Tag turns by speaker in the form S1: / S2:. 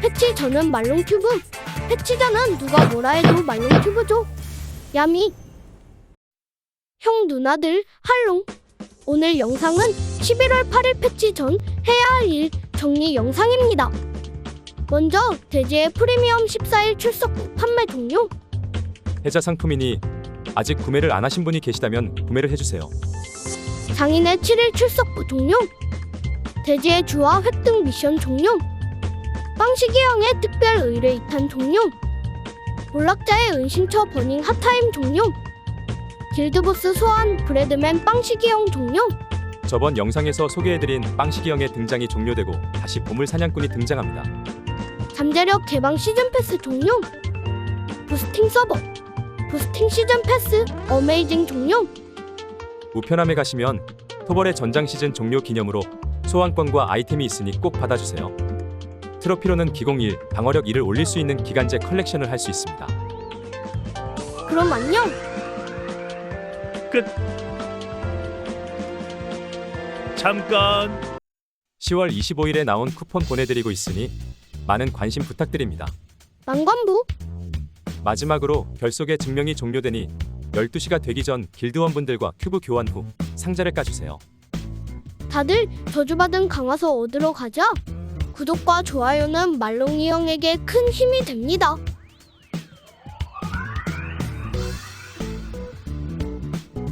S1: 패치 저는 말롱튜브. 패치자는 누가 뭐라 해도 말롱튜브죠. 야미. 형 누나들 할롱. 오늘 영상은 11월 8일 패치 전 해야 할 일 정리 영상입니다. 먼저 대지의 프리미엄 14일 출석 후 판매 종료.
S2: 해자 상품이니 아직 구매를 안 하신 분이 계시다면 구매를 해주세요.
S1: 장인의 7일 출석 후 종료. 대지의 주화 획득 미션 종료. 빵식이 형의 특별 의뢰 2탄 종료. 몰락자의 은신처 버닝 핫타임 종료. 길드보스 소환 브래드맨 빵식이 형 종료.
S2: 저번 영상에서 소개해드린 빵식이 형의 등장이 종료되고 다시 보물 사냥꾼이 등장합니다.
S1: 잠재력 개방 시즌 패스 종료. 부스팅 서버 부스팅 시즌 패스 어메이징 종료.
S2: 우편함에 가시면 토벌의 전장 시즌 종료 기념으로 소환권과 아이템이 있으니 꼭 받아주세요. 트로피로는 기공 1, 방어력 1을 올릴 수 있는 기간제 컬렉션을 할 수 있습니다.
S1: 그럼 안녕.
S3: 끝. 잠깐.
S2: 10월 25일에 나온 쿠폰 보내드리고 있으니 많은 관심 부탁드립니다.
S1: 만관부.
S2: 마지막으로 결속의 증명이 종료되니 12시가 되기 전 길드원분들과 큐브 교환 후 상자를 까주세요.
S1: 다들 저주받은 강화서 얻으러 가자. 구독과 좋아요는 말롱이 형에게 큰 힘이 됩니다.